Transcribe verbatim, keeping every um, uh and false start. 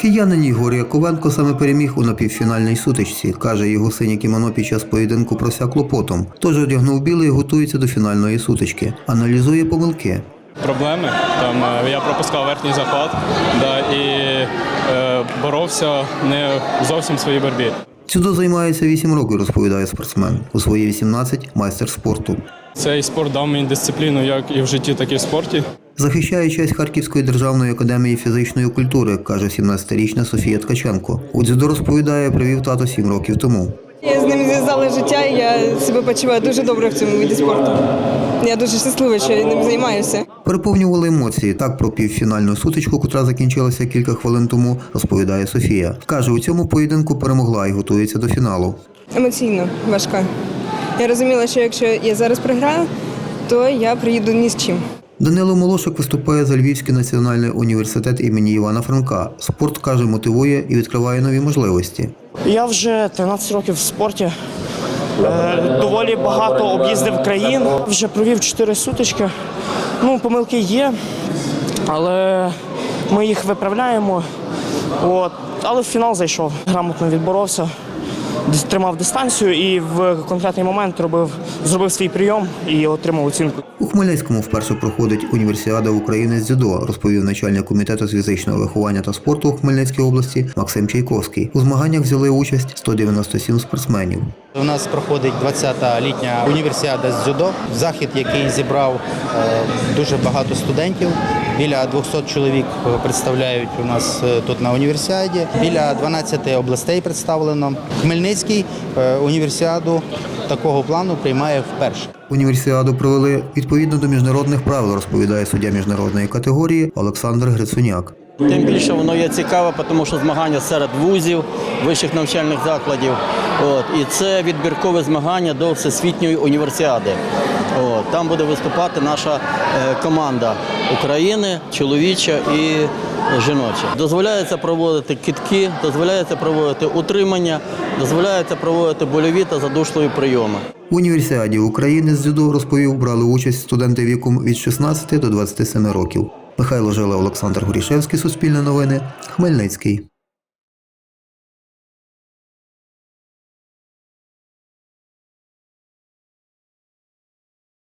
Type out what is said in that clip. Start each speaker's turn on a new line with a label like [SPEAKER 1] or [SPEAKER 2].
[SPEAKER 1] Киянин Ігор Яковенко саме переміг у напівфінальній сутичці. Каже, його синє кімоно під час поєдинку просякло потом. Тож одягнув білий і готується до фінальної сутички. Аналізує помилки.
[SPEAKER 2] Проблеми. Там я пропускав верхній захват, да, і е, боровся не зовсім в своїй боротьбі.
[SPEAKER 1] Дзюдо займається вісім років, розповідає спортсмен. У свої вісімнадцять – майстер спорту.
[SPEAKER 2] Цей спорт дав мені дисципліну як і в житті, так і в спорті.
[SPEAKER 1] Захищає честь Харківської державної академії фізичної культури, каже сімнадцятирічна Софія Ткаченко. У дзюдо, розповідає, привів тато сім років тому.
[SPEAKER 3] Я з ним зв'язала життя, і я себе почуваю дуже добре в цьому виді спорту. Я дуже щаслива, що я ним займаюся.
[SPEAKER 1] Переповнювали емоції. Так про півфінальну сутичку, котра закінчилася кілька хвилин тому, розповідає Софія. Каже, у цьому поєдинку перемогла і готується до фіналу.
[SPEAKER 3] Емоційно важка. Я розуміла, що якщо я зараз програю, то я приїду ні з чим.
[SPEAKER 1] Данило Молошик виступає за Львівський національний університет імені Івана Франка. Спорт, каже, мотивує і відкриває нові можливості.
[SPEAKER 4] Я вже тринадцять років в спорті. Доволі багато об'їздив країн. Вже провів чотири сутички. Ну, помилки є, але ми їх виправляємо. От. Але в фінал зайшов. Грамотно відборовся, тримав дистанцію і в конкретний момент робив, зробив свій прийом і отримав оцінку.
[SPEAKER 1] У Хмельницькому вперше проходить універсіада України з дзюдо, розповів начальник комітету з фізичного виховання та спорту у Хмельницькій області Максим Чайковський. У змаганнях взяли участь сто дев'яносто сім спортсменів.
[SPEAKER 5] У нас проходить двадцята літня універсіада з дзюдо, захід, який зібрав дуже багато студентів. Біля двохсот чоловік представляють у нас тут на універсіаді. Біля дванадцяти областей представлено. Хмельницький універсіаду такого плану приймає вперше.
[SPEAKER 1] Універсіаду провели відповідно до міжнародних правил, розповідає суддя міжнародної категорії Олександр Грицуняк.
[SPEAKER 6] Тим більше воно є цікаве, тому що змагання серед вузів, вищих навчальних закладів. От, і це відбіркове змагання до Всесвітньої універсіади. От, там буде виступати наша е, команда України, чоловіча і жіноча. Дозволяється проводити кидки, дозволяється проводити утримання, дозволяється проводити больові та задушливі прийоми.
[SPEAKER 1] У універсіаді України з дзюдо, розповів, брали участь студенти віком від шістнадцяти до двадцяти семи років. Михайло Жила, Олександр Горішевський, Суспільне новини, Хмельницький.